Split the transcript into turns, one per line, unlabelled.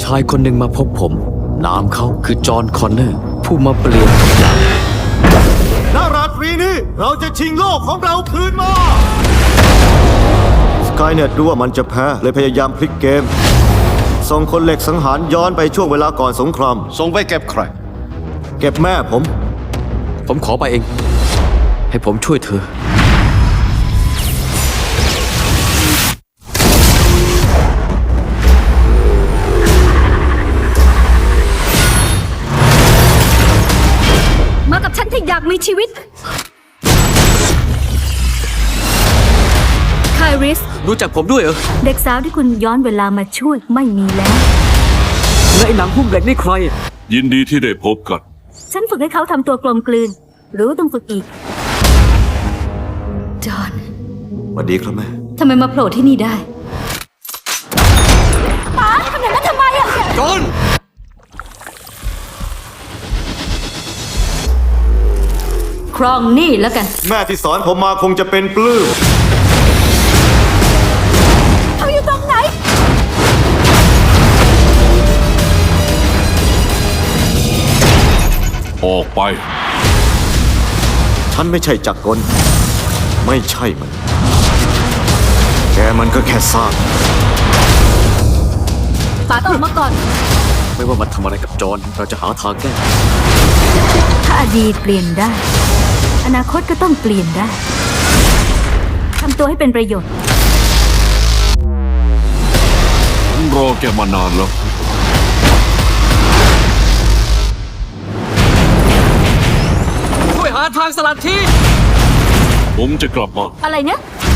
ายคนหนึ่งมาพบผมนามเขาคือจอห์นคอนเนอร์ผู้มาเปลี่ยนทุกอย่าง
ณราตรีนี้เราจะชิงโลกของเราคืนมาสกายเน็ตรู้ว่ามันจะแพ้เลยพยายามพลิกเกม ส่งคนเหล็กสังหารย้อนไปช่วงเวลาก่อนสงคราม
ส่งไปเก็บใคร
เก็บแม่ผม
ผมขอไปเอง ให้ผมช่วยเธอ
มากับฉันถ้าอยากมีชีวิตไคริส
รู้จักผมด้วยเหรอ
เด็กสาวที่คุณย้อนเวลามาช่วยไม่มีแล้ว
และไอ้หนังหุ้มเหล็กนี่ใคร
ยินดีที่ได้พบกัน
ฉันฝึกให้เขาทำตัวกลมกลืน หรือว่าต้องฝึกอีก จอห์น
สวัสดีครับแม่
ทำไมมาโผล่ที่นี่ได้ป๋าทำอย่างนั้นทำไมอะ
จอห์น
ครองนี่แล้วกัน
แม่ที่สอนผมมาคงจะเป็นปลื้ม
เขาอยู่ตรงไหน
ออกไป
ฉันไม่ใช่จักรกล ไม่ใช่มัน แกมันก็แค่ซาก
ป๋าต้องออกมาก่อน
ไม่ว่ามันทำอะไรกับจอห์นเราจะหาทางแก้
ถ้าอดีตเปลี่ยนได้ อนาคตก็ต้องเปลี่ยนได้ ทำตัวให้เป็นประโยชน์
ผมรอแกมานานแล้ว
ช่วยหาทางสลัดที
ผมจะกลับมา
อะไรเนี่ย